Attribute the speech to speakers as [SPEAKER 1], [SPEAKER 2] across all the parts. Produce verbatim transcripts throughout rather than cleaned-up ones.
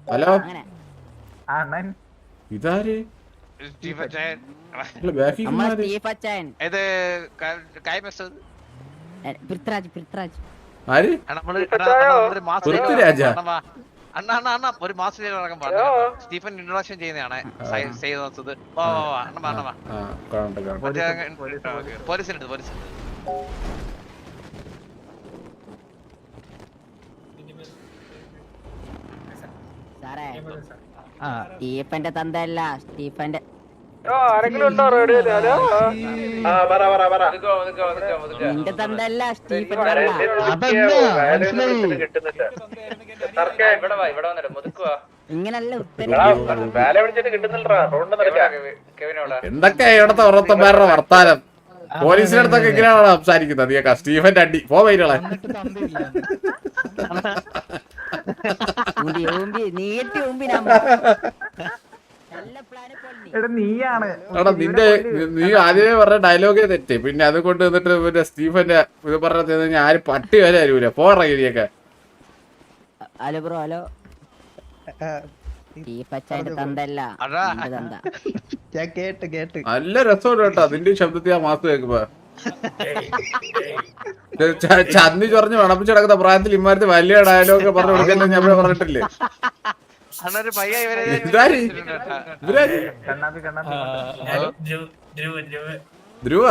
[SPEAKER 1] Hello ഇതാര് ആര് പൃഥ്വിരാജ
[SPEAKER 2] അണ്ണ അണ്ണ അണ്ണ ഒരു മാസം സ്റ്റീഫൻ ഇൻട്രൊഡക്ഷൻ ചെയ്യുന്നതാണ് പോലീസിനുണ്ട് പോലീസിനുണ്ട്
[SPEAKER 3] സാറേ സ്റ്റീഫന്റെ തന്തയല്ല സ്റ്റീഫന്റെ നിന്റെ തന്തയല്ല സ്റ്റീഫന്റെ ഇങ്ങനല്ല
[SPEAKER 1] എന്തൊക്കെയാ ഇവിടത്തെ ഓരോരുത്തന്മാരുടെ വർത്താനം പോലീസിന്റെ അടുത്തൊക്കെ ഇങ്ങനെയാണോ സംസാരിക്കുന്നത് നീ സ്റ്റീഫന്റെ അടി പോ വൈകളെ
[SPEAKER 3] നീട്ടി
[SPEAKER 1] എടാ നിന്റെ നീ ആദ്യമേ പറഞ്ഞ ഡയലോഗേ തെറ്റ് പിന്നെ അത് കൊണ്ട് വന്നിട്ട് പിന്നെ സ്റ്റീഫന്റെ ഇത് പറഞ്ഞ ആര് പട്ടി വരെ അറിയൂല പോറങ്ങിയൊക്കെ
[SPEAKER 3] ഹലോ ബ്രോ ഹലോ
[SPEAKER 1] നല്ല രസമുണ്ട് കേട്ടോ അതിന്റെ ശബ്ദത്തിൽ ആ മാസം കേൾക്കുമ്പോ ചന്നി ചൊറഞ്ഞ് വണപ്പിച്ച് കിടക്കുന്ന പ്രായത്തിൽ ഇമാരത്ത് വലിയ ഡയലോഗ് പറഞ്ഞു കൊടുക്കുന്നത് ഞാൻ പറഞ്ഞിട്ടില്ലേ ധ്രുവ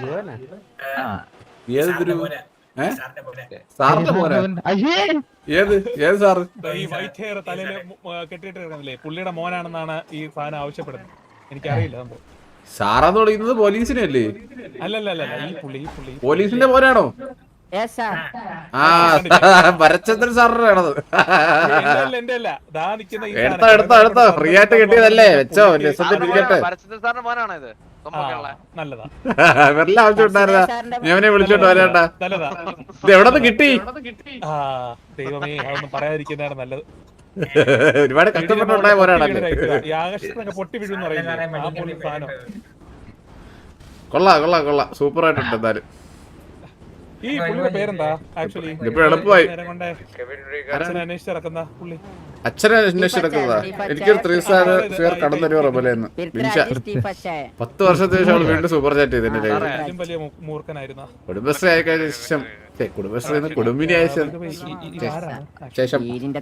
[SPEAKER 1] ഏത് ധ്രുവ സാറിന്റെ മോനെ ഏത് ഏത് സാറ്
[SPEAKER 4] ഈ വൈറ്റ് ഹെയർ തലയില് കെട്ടിട്ട് കിടക്കുന്നില്ലേ പുള്ളിയുടെ മോനാണെന്നാണ് ഈ സാധനം ആവശ്യപ്പെടുന്നത് എനിക്കറിയില്ല സംഭവം
[SPEAKER 1] സാറാന്ന് തുടങ്ങുന്നത് പോലീസിനല്ലേ
[SPEAKER 4] അല്ലല്ല ഈ പുള്ളി ഈ പുള്ളി
[SPEAKER 1] പോലീസിന്റെ മോനാണോ ആ ഭരചന്ദ്രൻ സാറിന്റെ ആണത് എടുത്തോ എടുത്തോ എടുത്തോ ഫ്രീ ആയിട്ട് കിട്ടിയതല്ലേ വെച്ചോ ഇരിക്കട്ടെ വെറുതെ ആവശ്യം ഉണ്ടായിരുന്ന ഞാനെ വിളിച്ചോണ്ട് വരേണ്ട ഇത് എവിടെ നിന്ന് കിട്ടി
[SPEAKER 4] ദൈവമേ അതൊന്നും പറയാതിരിക്കുന്നതാണ് നല്ലത്
[SPEAKER 1] ഒരുപാട് കഷ്ടപ്പെട്ടുണ്ടായ പോരാടല്ലേ
[SPEAKER 4] പൊട്ടി വീഴുന്ന് പറയുന്നത്
[SPEAKER 1] കൊള്ളാം കൊള്ളാം കൊള്ളാം സൂപ്പർ ആയിട്ടുണ്ട് എന്തായാലും
[SPEAKER 4] ഈ പുള്ളിയുടെ പേരെന്താ ആക്ച്വലി
[SPEAKER 1] ഇപ്പൊ എളുപ്പമായി
[SPEAKER 4] അച്ഛനെ അന്വേഷിച്ച് നടക്കുന്ന പുള്ളി
[SPEAKER 1] അച്ഛനെ അന്വേഷിച്ചെടുക്കുന്നതാ എനിക്കൊരു ത്രീ സ്റ്റാർ ഫിയർ കടം തരുമോ റബലേന്ന് പത്ത് വർഷത്തിന് ശേഷം അവള് വീണ്ടും സൂപ്പർ ചാറ്റ് ചെയ്തിട്ടുണ്ട്
[SPEAKER 4] വലിയ മൂർഖനായിരുന്ന
[SPEAKER 1] കുടുംബശ്രീ ആയ ശേഷം കുടുംബശ്രീ കുടുംബിനി ആയ ശേഷം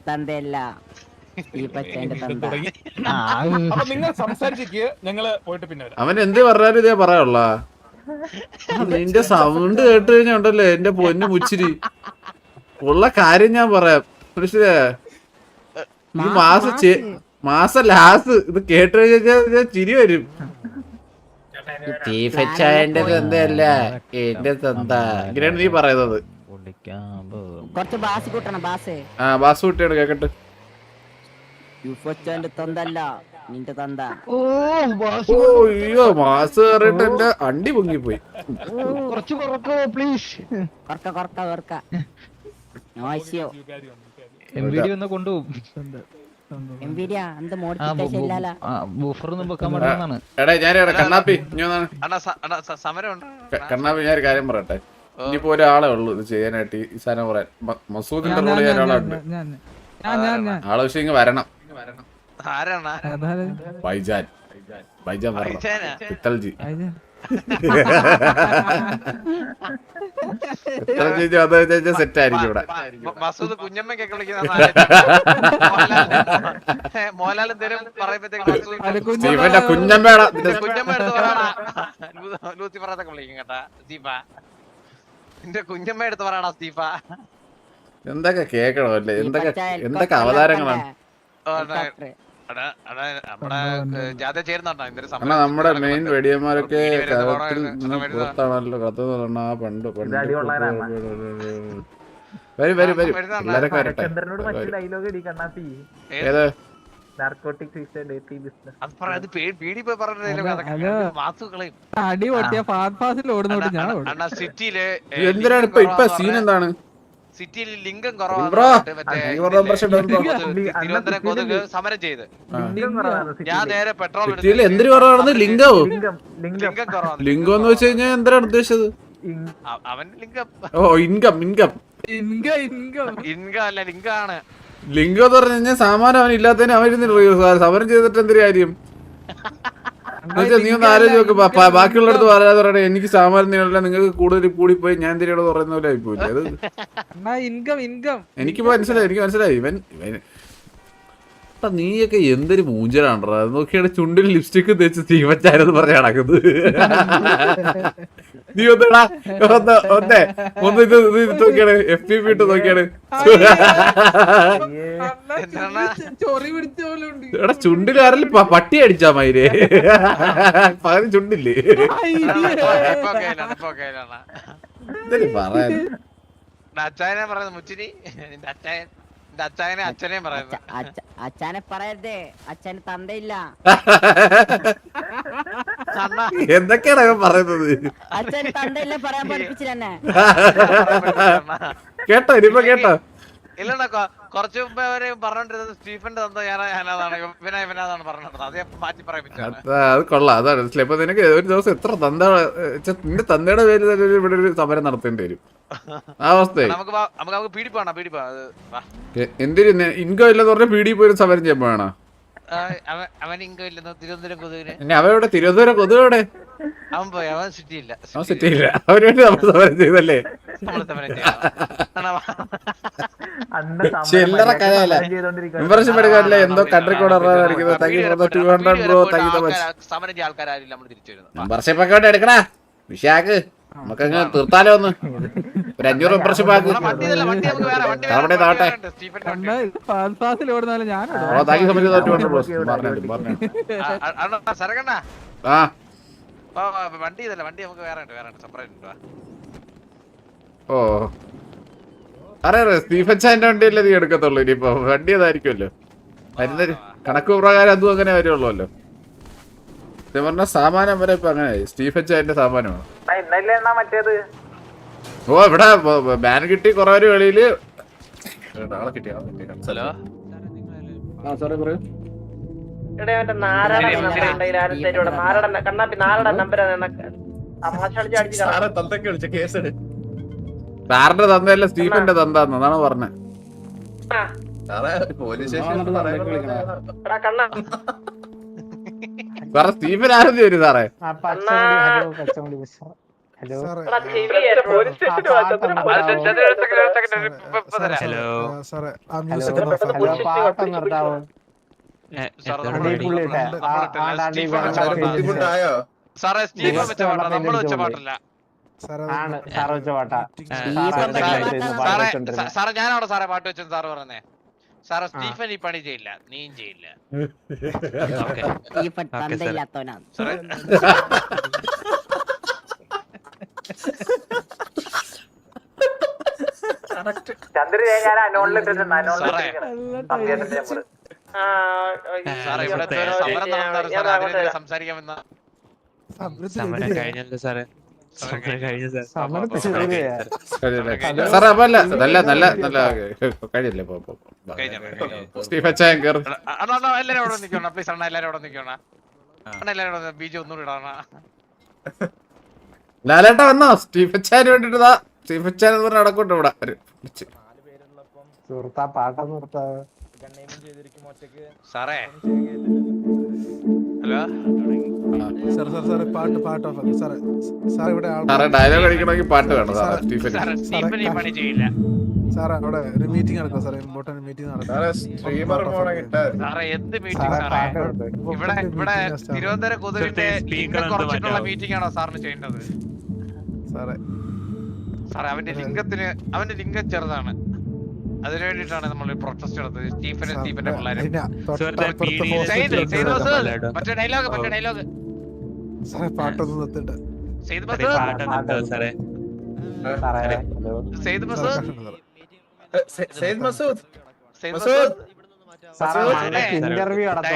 [SPEAKER 4] നിങ്ങൾ സംസാരിച്ചിട്ട് ഞങ്ങള് പോയിട്ട് പിന്നെ
[SPEAKER 1] അവൻ എന്ത് പറഞ്ഞാലും ഇതേ പറയാനുള്ള നിന്റെ സൗണ്ട് കേട്ട് കഴിഞ്ഞാ ഉണ്ടല്ലേ എന്റെ പൊന്നു മുച്ചിരി ഉള്ള കാര്യം ഞാൻ പറയാം മനസ്സിലാ ഈ മാസം മാസം ലാസ്റ്റ് ഇത് കേട്ട് കഴിഞ്ഞാൽ ചിരി വരും ചീഫച്ചായന്റെ തന്തയല്ല എന്റെ തന്ത ഇങ്ങനെയാണ് നീ പറയുന്നത് ആ ബാസ് കുട്ടിയാണ് കേക്കട്ടെ
[SPEAKER 3] നിന്റെ തന്ത
[SPEAKER 1] അയ്യോ മാസ് കയറിട്ട് എന്റെ അണ്ടി പൊങ്ങിപ്പോയി
[SPEAKER 5] കുറച്ച് കുറക്കോ പ്ലീസ് എംവിഡി ഒന്ന് കൊണ്ടുപോകും
[SPEAKER 1] എടാ ഞാൻ കണ്ണാപ്പി കണ്ണാപ്പി ഞാൻ ഒരു കാര്യം പറയട്ടെ ഇനിയിപ്പോ ഒരാളെ ഉള്ളൂ ഇത് ചെയ്യാനായിട്ട് ഈ സാധനം പറയാൻ മസൂദിന്റെ റോള് ചെയ്യാൻ ഒരാളുണ്ട് ആളെ പക്ഷെ ഇങ്ങ് വരണം ബൈജാൻ ബൈജാൻ പിത്തൽജി സെറ്റ് ആയിരിക്കും ഇവിടെ
[SPEAKER 2] മസൂദ് കുഞ്ഞമ്മക്കൊക്കെ വിളിക്കുന്ന
[SPEAKER 1] കുഞ്ഞമ്മയുടെ
[SPEAKER 2] കുഞ്ഞമ്മ എടുത്ത് പറയണ ലൂസി പറയത്തൊക്കെ വിളിക്കും കേട്ടാ സ്റ്റീഫ നിന്റെ കുഞ്ഞമ്മ എടുത്ത് പറയണ സ്റ്റീഫ
[SPEAKER 1] എന്തൊക്കെ കേക്കണോ അല്ലേ എന്തൊക്കെ എന്തൊക്കെ അവതാരങ്ങളാണ് നമ്മുടെ മെയിൻ വെടിയന്മാരൊക്കെ പുറത്താണല്ലോ കത്ത് ആ പണ്ട് പണ്ട് വരും വരും വരും എല്ലാരൊക്കെ വരട്ടെ ഏത് എന്തിനാണ് ഇപ്പൊ ഇപ്പൊ സീൻ എന്താണ്
[SPEAKER 2] സിറ്റിയിൽ ലിംഗം കുറവാണ് സമരം ചെയ്ത് ഞാൻ നേരെ പെട്രോൾ
[SPEAKER 1] എന്തിനു കുറവാണെന്ന് ലിംഗവും ലിംഗം എന്ന് വെച്ച് കഴിഞ്ഞാൽ എന്തിനാണ് ഉദ്ദേശിച്ചത്
[SPEAKER 2] അവൻ ലിംഗം
[SPEAKER 1] ഓ ഇൻകം ഇൻകം
[SPEAKER 2] ഇൻകം അല്ല ലിംഗാണ്
[SPEAKER 1] ലിംഗം എന്ന് പറഞ്ഞു കഴിഞ്ഞാൽ സാമാനം അവൻ ഇല്ലാത്തതിന് അവൻ സമരം ചെയ്തിട്ട് എന്തൊരു കാര്യം? എന്നുവെച്ചാ നീ ഒന്ന് ആലോചിച്ച് നോക്ക്. ബാക്കിയുള്ളടത്ത് പറയാതെ പറയണേ എനിക്ക് സാമാനം നീളല്ല, നിങ്ങൾക്ക് കൂടുതൽ കൂടിപ്പോയി ഞാൻ എന്തിനാണ് പറയുന്ന പോലെ ആയിപ്പോയില്ലേ അത്.
[SPEAKER 6] ഇൻകം ഇൻകം
[SPEAKER 1] എനിക്ക് മനസ്സിലായി, എനിക്ക് മനസ്സിലായി. ഇവൻ ഇവൻ നീയൊക്കെ എന്തൊരു മൂഞ്ചലാണ്ടാ. നോക്കിയാണ് ചുണ്ടിൽ ലിപ്സ്റ്റിക് തേച്ച് തീവച്ചാരെന്ന് പറഞ്ഞ നടക്കുന്നത്. നീ ഒന്നടാ ഒന്ന് ഒന്നേ ഒന്ന് ഇത് ഇത് നോക്കിയാണ് എഫ് പി പി ഇട്ട് നോക്കിയാണ്.
[SPEAKER 6] ചൊറി പിടിച്ച പോലെ ഉണ്ട്.
[SPEAKER 1] എടാ ചുണ്ടിൽ ആരെങ്കിലും പട്ടി അടിച്ചാ മയിലേ പകരം ചുണ്ടില്ലേ എന്തൊരു പറയാൻ.
[SPEAKER 2] അച്ചായനെ പറയുന്നത് മുച്ചിരി നിന്റെ അച്ചായൻ നിന്റെ അച്ചായനെ അച്ഛനെയും പറയുന്നത്.
[SPEAKER 3] അച്ഛനെ പറയരുതേ, അച്ഛന് തന്തയില്ല.
[SPEAKER 1] എന്തൊക്കെയാണ് അവൻ പറയുന്നത്?
[SPEAKER 3] അച്ഛന് തന്തയില്ല പറയാൻ പഠിപ്പിച്ചില്ലെന്നെ.
[SPEAKER 1] കേട്ടോ ഇനിയിപ്പോ കേട്ടോ?
[SPEAKER 2] ഇല്ലണ്ട കുറച്ചു മുമ്പ് അവര് പറഞ്ഞോണ്ടിരുന്നത് സ്റ്റീഫന്റെ തന്ത ഞാനാണ് ഇവനാ ഇവനാതാണ് പറഞ്ഞത്. അത് മാറ്റി പറയിപ്പിച്ചാണ്.
[SPEAKER 1] അത് കൊള്ളാം, അതാണ് മനസ്സിലായി. ഇപ്പൊ നിനക്ക് ഒരു ദിവസം എത്ര തന്ത നിന്റെ തന്തയുടെ പേര് തന്നെ ഇവിടെ ഒരു സമരം നടത്തേണ്ടി വരും. ആ അവസ്ഥയായി.
[SPEAKER 2] നമുക്ക് നമുക്ക് നമുക്ക് പീഡിപ്പാണ് പീഡിപ്പാ.
[SPEAKER 1] എന്തിന് ഇൻകം ഇല്ലെന്ന് പറഞ്ഞ പീഡി പോയി സമരം ചെയ്യാൻ പോയാണോ?
[SPEAKER 2] അവൻ ഇൻകം ഇല്ലെന്ന് തിരുവനന്തപുരം കൊതുകിന്.
[SPEAKER 1] അവൻ ഇവിടെ തിരുവനന്തപുരം കൊതുക് എവിടെ?
[SPEAKER 2] അവൻ പോയി, അവൻ സിറ്റി ഇല്ല.
[SPEAKER 1] അവൻ സിറ്റി ഇല്ല, അവന് വേണ്ടി നമ്മൾ സമരം ചെയ്തല്ലേ? ചില്ലറ കഥയല്ല. മെമ്പർഷിപ്പ് എടുക്കാനല്ലേ എന്തോ കൺട്രി കോഡ് മെമ്പർഷിപ്പ് ഒക്കെ എടുക്കണ വിഷയാക്ക്. നമുക്കങ്ങ് തീർത്താലോ ഒന്ന് ഒരു അഞ്ഞൂറ് മെമ്പർഷിപ്പ് ആക്ക്. അവിടെ താട്ടെ താങ്കി സമയത്ത് ആ
[SPEAKER 2] വണ്ടി ഇതല്ല, വണ്ടി നമുക്ക് വേറെ ഉണ്ട്, വേറെ ഉണ്ട്, സെപ്പറേറ്റ് ഉണ്ട്.
[SPEAKER 1] ഓ അറിയാം, സ്റ്റീഫൻ ചാന്റെ വണ്ടിയല്ലേ നീ എടുക്കത്തുള്ളൂ. ഇനിയിപ്പോ വണ്ടി അതായിരിക്കുമല്ലോ വരുന്നൊരു കണക്ക് പ്രകാരം. അതും അങ്ങനെ വരുള്ളൂല്ലോ. സത്യം പറഞ്ഞ സാമാനം വരെ ഇപ്പൊ അങ്ങനെ സ്റ്റീഫൻ ചാന്റെ സാമാനമാണ്. ഓ ഇവിടെ ബാൻ കിട്ടി കൊറേ ഒരു വെളിയില് കിട്ടിയ സാറിന്റെ തന്തയല്ല സ്റ്റീഫന്റെ തന്താന്ന് അതാണ് പറഞ്ഞത്. സാറേ സ്റ്റീഫൻ ആരെന്ന് വരും സാറേ?
[SPEAKER 2] സാറേ സ്റ്റീഫൻ വെച്ച പാട്ടാ, നമ്മള് വെച്ച പാട്ടല്ല. സാറേ ഞാനവിടെ സാറേ പാട്ട് വെച്ചെന്ന് സാറ് പറഞ്ഞേ. സാറേ സ്റ്റീഫൻ ഈ പണി ചെയ്യില്ല, നീയും ചെയ്യില്ല. സാറേ സാറേ ഇവിടെ സമരം നടന്നാണ് സാറേ, അതിനെതിരെ സംസാരിക്കാമെന്ന
[SPEAKER 1] സാറേ അപ്പൊ അല്ല നല്ല നല്ല നല്ല കഴിയല്ലേ സ്റ്റീഫൻ ചായ കയറി.
[SPEAKER 2] എല്ലാരും അവിടെ നിൽക്കണം പ്ലീസ് അണ്ണ, എല്ലാരും അവിടെ നിൽക്കണം അണ്ണ, എല്ലാരും ബീജ് ഒന്നുകൂടി ഇടാണ.
[SPEAKER 1] ലാലേട്ട വന്നോ? സ്റ്റീഫൻ ചായന് വേണ്ടിട്ട് സ്റ്റീഫൻ ചായ എന്ന് പറഞ്ഞ നടക്കോട്ടെ ഇവിടെ സാറേ.
[SPEAKER 2] ഹലോ
[SPEAKER 1] സാറേ ഡയലോഗ് അടിക്കണമെങ്കിൽ പാട്ട് വേണം സാറേ. സ്റ്റീഫൻ
[SPEAKER 2] സ്റ്റീഫൻ ഈ പണി ചെയ്യില്ല
[SPEAKER 7] സാറേ. അവിടെ ഒരു മീറ്റിംഗ് നടക്കും സാറേ, ഇമ്പോർട്ടന്റ് മീറ്റിംഗ് നടക്കും.
[SPEAKER 2] സാറേ എന്ത് മീറ്റിംഗ് സാറേ? ഇവിടെ ഇവിടെ തിരുവനന്തപുരം കൊതുകിന്റെ ലിംഗം കുറച്ചിട്ടുള്ള മീറ്റിംഗ് ആണോ സാറിന് ചെയ്യേണ്ടത്?
[SPEAKER 7] സാറേ
[SPEAKER 2] സാറേ അവന്റെ ലിംഗത്തിന് അവന്റെ ലിംഗം ചെറുതാണ്, അതിനു വേണ്ടിട്ടാണ് നമ്മൾ പ്രൊട്ടസ്റ്റ് നടത്തുന്നത്. സ്റ്റീഫനും സ്റ്റീഫന്റെ പിള്ളേരും. മറ്റേ ഡയലോഗ് മറ്റേ ഡയലോഗ്
[SPEAKER 7] സാറേ പാട്ടൊന്നും നിർത്തിട്ട്
[SPEAKER 2] സെയ്ദ് മസൂദ് സെയ്ദ് മസൂദ് സെയ്ദ് മസൂദ് സെയ്ദ് മസൂദ്
[SPEAKER 3] ഇന്റർവ്യൂ
[SPEAKER 1] പാട്ട്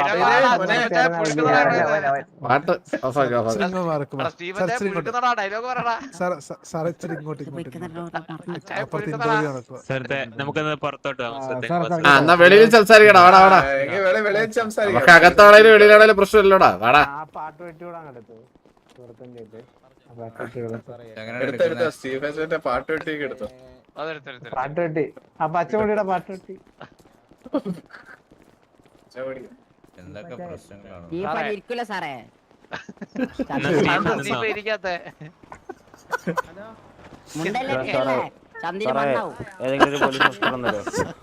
[SPEAKER 2] ഡയലോഗ് പറയടാ.
[SPEAKER 5] നമുക്കൊന്ന് പുറത്തോട്ട്
[SPEAKER 1] എന്നാ വെളിയിൽ സംസാരിക്കടാ. വാടാ വാടാ, നമുക്ക് അകത്താണേലും വെളിയിലാണേലും പ്രശ്നമില്ലടാ. വാടാ
[SPEAKER 3] പാട്ട് വെട്ടിവിടാൻ എടുത്തു
[SPEAKER 1] പാട്ട് വെട്ടി എടുത്തു.
[SPEAKER 3] പാട്ട് വെട്ടി ആ പച്ചമുടിയുടെ പാട്ട് വെട്ടി
[SPEAKER 8] എന്തൊക്കെ പ്രശ്നങ്ങളാണ്
[SPEAKER 3] സ്റ്റീഫൻ ഇരിക്കൂല സാറേ.
[SPEAKER 2] സ്റ്റീഫൻ ഇരിക്കാത്തെ
[SPEAKER 3] മുണ്ടല്ലേ കേളേ, ചന്തിന് മണ്ണാവും.
[SPEAKER 9] ഏതെങ്കിലും ഒരു പോലീസ് ഓഫീസർ വന്നല്ലോ.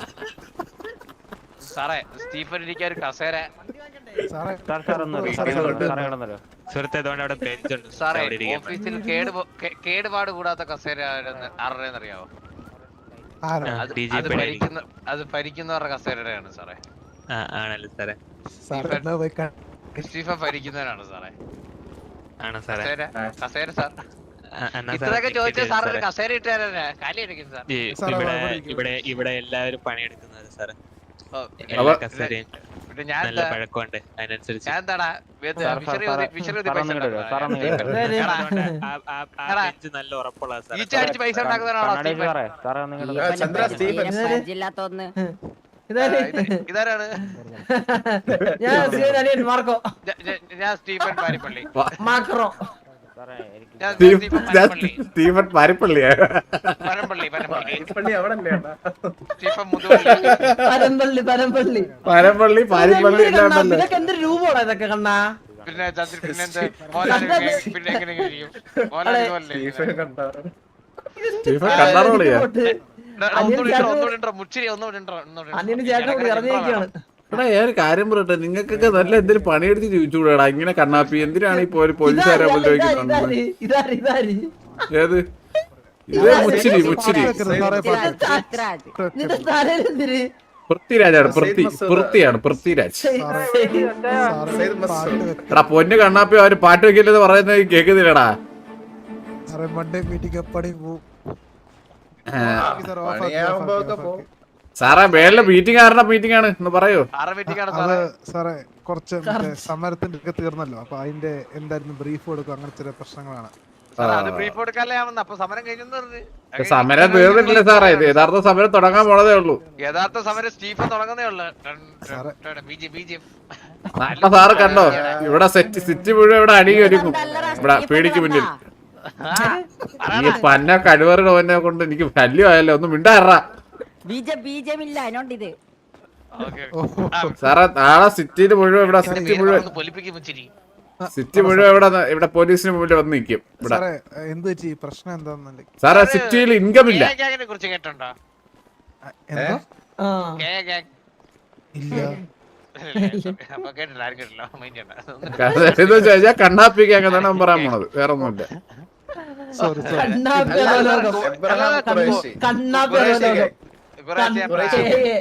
[SPEAKER 2] സാറേ സ്റ്റീഫൻ ഇരിക്കാൻ ഒരു കസേര.
[SPEAKER 7] സാറേ
[SPEAKER 9] സാർ സാർ ഒന്നല്ലോ സാറേ സാറേ കിടന്നല്ലോ.
[SPEAKER 2] സാറേ ഓഫീസിൽ കേട് കേടുപാട് കൂടാത്ത കസേര ആരുടെയെന്നറിയാവോ?
[SPEAKER 7] ആരാ
[SPEAKER 2] അത് അത് ഭരിക്കുന്ന അത് ഭരിക്കുന്നവരുടെ കസേരയാണ് സാറേ.
[SPEAKER 8] ആണല്ലോ സാറേ.
[SPEAKER 7] സാറേ എന്നാ പോയി കാ-
[SPEAKER 2] സ്റ്റീഫൻ ഭരിക്കുന്നവരാണ് സാറേ.
[SPEAKER 8] ആണോ സാറേ?
[SPEAKER 2] കസേര കസേര സാർ
[SPEAKER 8] ആ, എന്നാ സാറേ
[SPEAKER 2] ഇത്രയൊക്കെ ചോദിച്ചാൽ സാർ ഒരു
[SPEAKER 8] സാറേ.
[SPEAKER 2] കസേര ഇട്ടുതരാ കാലി അടിക്കും സാർ.
[SPEAKER 8] ഈ
[SPEAKER 7] സാറേ,
[SPEAKER 8] ഇവിടെ
[SPEAKER 7] അവിടെ ഇരിക്കൂ.
[SPEAKER 8] ഇവിടെ ഇവിടെ എല്ലാവരും പണിയെടുക്കുന്നത് സാറേ.
[SPEAKER 2] ഓ,
[SPEAKER 8] എല്ലാ
[SPEAKER 1] അവ-
[SPEAKER 8] കസേരയും
[SPEAKER 2] പിന്നെ ഞാൻ
[SPEAKER 8] നല്ല
[SPEAKER 2] എന്താ
[SPEAKER 8] പഴക്കമുണ്ട് അതിനനുസരിച്ച്.
[SPEAKER 2] ഞാൻ എന്താടാ
[SPEAKER 9] sir sir
[SPEAKER 2] fishery
[SPEAKER 9] sir
[SPEAKER 2] fishery
[SPEAKER 9] sir ഒന്ന് ഇങ്ങോട്ട് വരൂ, സാർ ഒന്ന് ഇങ്ങോട്ട് വരൂ.
[SPEAKER 2] എടാ,
[SPEAKER 8] അതുകൊണ്ട് ആ- ആ- ആ
[SPEAKER 2] എടാ.
[SPEAKER 8] ബെഞ്ച് നല്ല ഉറപ്പുള്ള സാറേ.
[SPEAKER 2] ഈച്ച അടിച്ച് പൈസ ഉണ്ടാക്കുന്നവരാണോ
[SPEAKER 9] കണ്ണാടി
[SPEAKER 2] സ്റ്റീഫൻ?
[SPEAKER 9] സാറേ സാറേ ഒന്ന് ഇങ്ങോട്ട് വരൂ.
[SPEAKER 3] സ്റ്റീഫൻ പരിചയമില്ലാത്തൊന്ന്.
[SPEAKER 2] ആ, ഇത് ഇതാരാണ്?
[SPEAKER 6] മാർക്കോ
[SPEAKER 2] ഞ- ഞ- ഞാൻ സ്റ്റീഫൻ പാരിപ്പള്ളി.
[SPEAKER 6] മാക്രോ
[SPEAKER 9] സാറേ എനിക്ക്
[SPEAKER 2] ഞാൻ
[SPEAKER 1] സ്റ്റീഫ്-
[SPEAKER 2] സ്റ്റീഫൻ
[SPEAKER 1] ഞാൻ
[SPEAKER 2] പാരിപ്പള്ളി.
[SPEAKER 1] സ്റ്റീഫൻ പാരിപ്പള്ളിയാ.
[SPEAKER 2] പരമ്പള്ളി പരമ്പള്ളി സ്റ്റീഫൻ മുതുവള്ളി.
[SPEAKER 6] പരമ്പള്ളി പരമ്പള്ളി
[SPEAKER 1] പരപ്പള്ളി പാരിപ്പള്ളി എല്ലാം ഉണ്ടല്ലോ.
[SPEAKER 6] ഇതൊക്കെ എന്തൊരു രൂപമാണ് ഇതൊക്കെ കണ്ണാ.
[SPEAKER 2] പിന്നെ ചന്ദ്രൻ പിന്നെന്ത് മോഹൻലാൽ പിന്നെ എങ്ങനെ ഇരിക്കും? മോഹൻലാൽ ഇതുപോലെ
[SPEAKER 1] സ്റ്റീഫൻ കണ്ണാറോളിയാ.
[SPEAKER 2] ഒന്നുകൂടി ഇട്ടോ, ഒന്നുകൂടി ഇട്ടോ, മുച്ചിരി ഒന്നുകൂടി ഇട്ടോ, ഒന്നുകൂടി ഇട്ടോ.
[SPEAKER 6] അനിയന് ചേട്ടൻ കൂടി ഇറങ്ങിയിരിക്കുകയാണ്.
[SPEAKER 1] എടാ ഞാൻ ഒരു കാര്യം പറയട്ടെ, നിങ്ങൾക്കൊക്കെ നല്ല എന്തെങ്കിലും പണിയെടുത്ത് ചോദിച്ചുകൂടാ ഇങ്ങനെ കണ്ണാപ്പി. എന്തിനാണ് ഈ പോലീ- പോലീസുകാരെ
[SPEAKER 6] ഇതാര്,
[SPEAKER 1] ഉപദ്രവിക്കുന്നത്?
[SPEAKER 6] ഇതാര്, ഇതാര്, ഇതാര്?
[SPEAKER 1] ഏത് ഇത് മുച്ചിരി മുച്ചിരി
[SPEAKER 7] വെക്കരുത് സാറേ,
[SPEAKER 3] പൃഥ്വിരാജ്, പൃഥ്വിരാജ്.
[SPEAKER 6] നിന്റെ തലയിൽ എന്തിന്?
[SPEAKER 1] പൃഥ്വിരാജാണ്. പൃഥ്വി പൃഥ്വിയാണ് പൃഥ്വിരാജ്.
[SPEAKER 7] സാറേ സാറേ പാട്ട് വെക്ക-
[SPEAKER 1] എടാ പൊന്ന് കണ്ണാപ്പി അവര് പാട്ട് വെക്കില്ലെന്ന് പറയുന്നത് കേൾക്കുന്നില്ലടാ.
[SPEAKER 7] സാറേ മൺഡേ മീറ്റിംഗ് എപ്പടി പോവും
[SPEAKER 1] ആ,
[SPEAKER 7] സാർ ഓഫ് ആക്കി, ഓഫ് ആക്കി, ഓഫ് ആക്കി.
[SPEAKER 1] സാറേ മേളിലെ മീറ്റിംഗ് ആരുടെ മീറ്റിംഗ് ആണ് എന്ന് പറയൂ.
[SPEAKER 2] ആറ് മിനിറ്റാണ്
[SPEAKER 7] അത്
[SPEAKER 2] സാറേ.
[SPEAKER 7] സാറേ കുറച്ച് മറ്റേ സമരത്തിന്റെ ഒക്കെ തീർന്നല്ലോ, അപ്പൊ അതിന്റെ എന്തായിരുന്നു ബ്രീഫ് കൊടുക്കും, അങ്ങനെ ചില പ്രശ്നങ്ങളാണ്.
[SPEAKER 2] സാറേ, അത് ബ്രീഫ് കൊടുക്കാല്ലേ ആവുന്ന. അപ്പൊ സമരം കഴിഞ്ഞെന്ന് പറഞ്ഞു.
[SPEAKER 1] സമരം തീർന്നിട്ടില്ല സാറേ. ഇത് യഥാർത്ഥ സമരം തുടങ്ങാൻ പോണതേ ഉള്ളൂ.
[SPEAKER 2] യഥാർത്ഥ സമരം സ്റ്റീഫൻ തുടങ്ങുന്നേ ഉള്ളു.
[SPEAKER 7] സാറേ.
[SPEAKER 2] ബി ജെ ബി ജെ
[SPEAKER 1] നല്ല സാറ് കണ്ടോ ഇവിടെ സെറ്റ് സിറ്റി മുഴുവൻ ഇവിടെ അടി ഒരുക്കും ഇവിടെ പീടിക്ക് മുന്നിൽ. ഈ പന്ന കഴിവറുടെ ഓനെ കൊണ്ട് എനിക്ക് ശല്യം ആയല്ലോ. ഒന്നും മിണ്ടാറാ
[SPEAKER 3] ബീജം ബീജമില്ല അതിനോണ്ട് ഇത്.
[SPEAKER 1] സാറേ. നാളെ സിറ്റിയിൽ മുഴുവൻ ഇവിടെ സിറ്റി മുഴുവൻ
[SPEAKER 2] പൊലിപ്പിക്കും മുച്ചിരി.
[SPEAKER 1] സിറ്റി മുഴുവൻ ഇവിടെ ന- ഇവിടെ പോലീസിന് മുന്നിൽ വന്ന് നിൽക്കും ഇവിടെ.
[SPEAKER 7] സാറേ എന്ത് വെച്ച് ഈ പ്രശ്നം എന്താന്നല്ലേ?
[SPEAKER 1] സാറേ സിറ്റിയിൽ ഇൻകം ഇല്ല.
[SPEAKER 2] കെ ഗാങ്ങിനെ കുറിച്ച് കേട്ടിട്ടുണ്ടോ?
[SPEAKER 7] എന്തോ
[SPEAKER 6] ആ.
[SPEAKER 2] K gang.
[SPEAKER 7] ഇല്ല.
[SPEAKER 2] അപ്പൊ കേട്ടില്ല, ആരും കേട്ടില്ല. മൈൻഡ് ചെയ്യണ്ട.
[SPEAKER 1] എന്ന് വെച്ച് കഴിഞ്ഞാൽ കണ്ണാപ്പിക്ക് അങ്ങനെ പറയാൻ പോണത് വേറെ ഒന്നുമില്ല.
[SPEAKER 7] Sorry sorry.
[SPEAKER 6] കണ്ണാപ്പി അധോലോകം. കണ്ണാപ്പി അധോലോകം.
[SPEAKER 2] കുറേശ്ശെ
[SPEAKER 6] കണ്ണാപ്പി.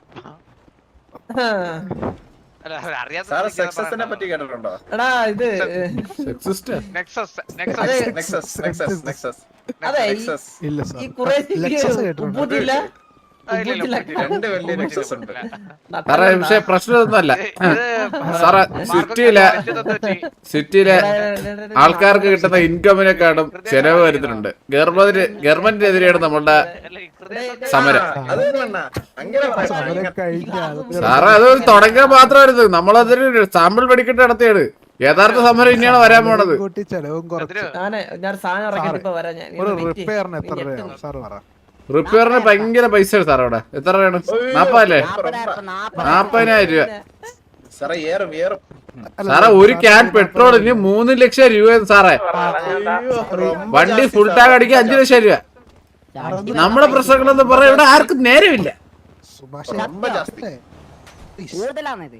[SPEAKER 6] ആ.
[SPEAKER 2] അല്ല, അറിയാത്ത
[SPEAKER 10] സാറ് സക്സസിനെ പറ്റി കേട്ടിട്ടുണ്ടോ?
[SPEAKER 6] എടാ ഇത്
[SPEAKER 1] സെക്സിസ്റ്റ്
[SPEAKER 2] നെക്സസ്
[SPEAKER 6] അതെ.
[SPEAKER 2] നെക്സസ്
[SPEAKER 10] നെക്സസ് നെക്സസ് നെക്സസ്
[SPEAKER 6] അതെ ഈ-
[SPEAKER 10] നെക്സസ്
[SPEAKER 7] ഇല്ല
[SPEAKER 6] ഈ
[SPEAKER 7] സാർ.
[SPEAKER 6] കുറെ
[SPEAKER 7] ലെക്സസ് കേട്ടിട്ടുണ്ടോ?
[SPEAKER 6] ഉപ്പൂട്ടില്ല.
[SPEAKER 2] ആ, ഇല്ല, ഇല്ല,
[SPEAKER 6] ഉപ്പൂട്ടില്ല.
[SPEAKER 10] രണ്ട് വലിയ നെക്സസ് ഉണ്ട്.
[SPEAKER 1] സാറേ പക്ഷെ പ്രശ്നമൊന്നുമല്ല. സാറേ സിറ്റിയിലെ സിറ്റിയിലെ ആൾക്കാർക്ക് കിട്ടുന്ന ഇൻകമിനെക്കാളും ചെലവ് വരുന്നുണ്ട്. ഗവൺമെന്റ് ഗവൺമെന്റിനെതിരെയാണ് നമ്മളുടെ സമരം.
[SPEAKER 10] അത് വേണ്ട. അങ്ങനെ പറയാം.
[SPEAKER 7] സമരം കഴിഞ്ഞ ആൾക്കാർ
[SPEAKER 1] സാറേ അത് തുടങ്ങിയാൽ മാത്രമായിരുന്നു. നമ്മളതിന് സാമ്പിൾ വെടിക്കെട്ട് നടത്തിയാണ്. യഥാർത്ഥ സമരം ഇനിയാണ് വരാൻ പോണത്.
[SPEAKER 7] കൂട്ടി ചെലവും കുറച്ച്.
[SPEAKER 6] ഞാന് ഞാൻ സാധനം ഇറക്കിട്ട് ഇപ്പൊ വരാം ഞാൻ.
[SPEAKER 7] ഒരു
[SPEAKER 6] ഇത് വെയിറ്റ് ചെയ്യ്.
[SPEAKER 7] റിപ്പയറിന് എത്ര
[SPEAKER 6] നീ
[SPEAKER 7] രൂപയാണ്
[SPEAKER 6] ഞെട്ടും.
[SPEAKER 7] സാർ പറ?
[SPEAKER 1] റിപ്പയറിന് ഭയങ്കര പൈസ സാർ അവിടെ. എത്ര രൂപയാണ്? നാപ്പതല്ലേ?
[SPEAKER 3] നാപ്പതായിരം നാപ്പത്.
[SPEAKER 1] നാപ്പതിനായിരം രൂപ.
[SPEAKER 10] സാറേ ഏറും ഏറും.
[SPEAKER 7] അല്ല,
[SPEAKER 1] സാറേ ഒരു ക്യാൻ പെട്രോളിന് മൂന്ന് ലക്ഷം രൂപ സാറേ. വണ്ടി ഫുൾ ടാങ്ക് അടിക്കാൻ അഞ്ചു ലക്ഷം രൂപ. നമ്മുടെ പ്രശ്നങ്ങളെന്ന് പറയാൻ ഇവിടെ ആർക്കും നേരമില്ല.
[SPEAKER 7] സുഭാഷ്
[SPEAKER 10] ரொம்ப ஜாஸ்தி.
[SPEAKER 3] കൂടുതലാണിത്.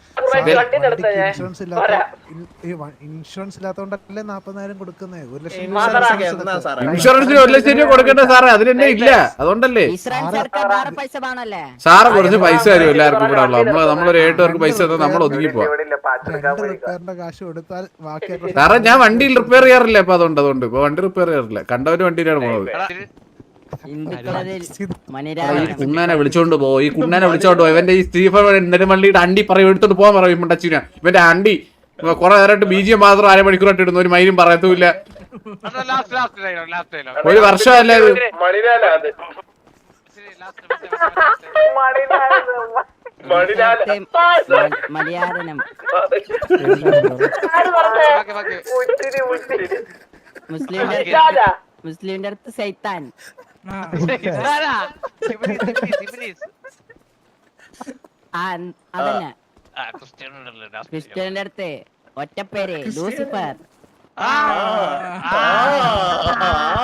[SPEAKER 7] ഇൻഷുറൻസ് ഇല്ലാത്ത ഇൻഷുറൻസ് ഇല്ലാത്തോണ്ടല്ലേ നാപ്പതിനായിരം കൊടുക്കുന്നേ. ഒരു ലക്ഷം
[SPEAKER 10] ഇൻഷുറൻസ് എന്നാ സാറേ?
[SPEAKER 1] ഇൻഷുറൻസിന് ഒരു ലക്ഷം രൂപ കൊടുക്കണ്ടേ സാറേ? അതിനെന്നെ ഇല്ല. അതുകൊണ്ടല്ലേ
[SPEAKER 3] ഇൻഷുറൻസ് എടുക്കാൻ വേറെ പൈസ വേണല്ലേ?
[SPEAKER 1] സാറ് കുറച്ച് പൈസ തരും എല്ലാവർക്കും ഇവിടെ ഉള്ള. നമ്മള് നമ്മളൊരു ഏഴ് പേർക്ക് പൈസ തന്നാൽ നമ്മൾ ഒതുങ്ങി പോവാം.
[SPEAKER 7] രണ്ട് റിപ്പയറിന്റെ കാശ് കൊടുത്താൽ ബാക്കി
[SPEAKER 1] സാറേ ഞാൻ വണ്ടിയിൽ റിപ്പയർ ചെയ്യാറില്ല ഇപ്പൊ. അതുകൊണ്ട് അതുകൊണ്ട് ഇപ്പൊ വണ്ടി റിപ്പയർ ചെയ്യാറില്ല. കണ്ടവര് വണ്ടിയിലാണ് പോണത്.
[SPEAKER 3] ഹിന്ദുക്കളതിൽ
[SPEAKER 1] ഈ
[SPEAKER 3] മനുരാജ്
[SPEAKER 1] കുണ്ണാനെ വിളിച്ചോണ്ട് പോ. ഈ കുണ്ണാനെ വിളിച്ചോണ്ട് പോ. ഇവന്റെ ഈ സ്റ്റീഫൻ നെടുമള്ളിയുടെ അണ്ടി പറയും എടുത്തോണ്ട് പോകാൻ പറയും. മുണ്ടച്ചീന ഇവന്റെ അണ്ടി കുറെ നേരമായിട്ട് ബീജിയം മാത്രം അരമണിക്കൂറായിട്ട് ഇടുന്നു. ഒരു മൈനും പറയത്തുമില്ല.
[SPEAKER 2] Last last dialogue last dialogue
[SPEAKER 1] ഒരു വർഷമല്ലേ ഇത്?
[SPEAKER 3] മലയാളം മുസ്ലിം മുസ്ലിമിന്റെ അടുത്ത് സൈത്താൻ. ആ അതന്നെ
[SPEAKER 2] ആ, ക്രിസ്ത്യാനോയുടെ last name.
[SPEAKER 3] ക്രിസ്ത്യന്റെ അടുത്ത് ഒറ്റപ്പേര് ലൂസിഫർ
[SPEAKER 2] ആ,
[SPEAKER 10] ആ, ആ,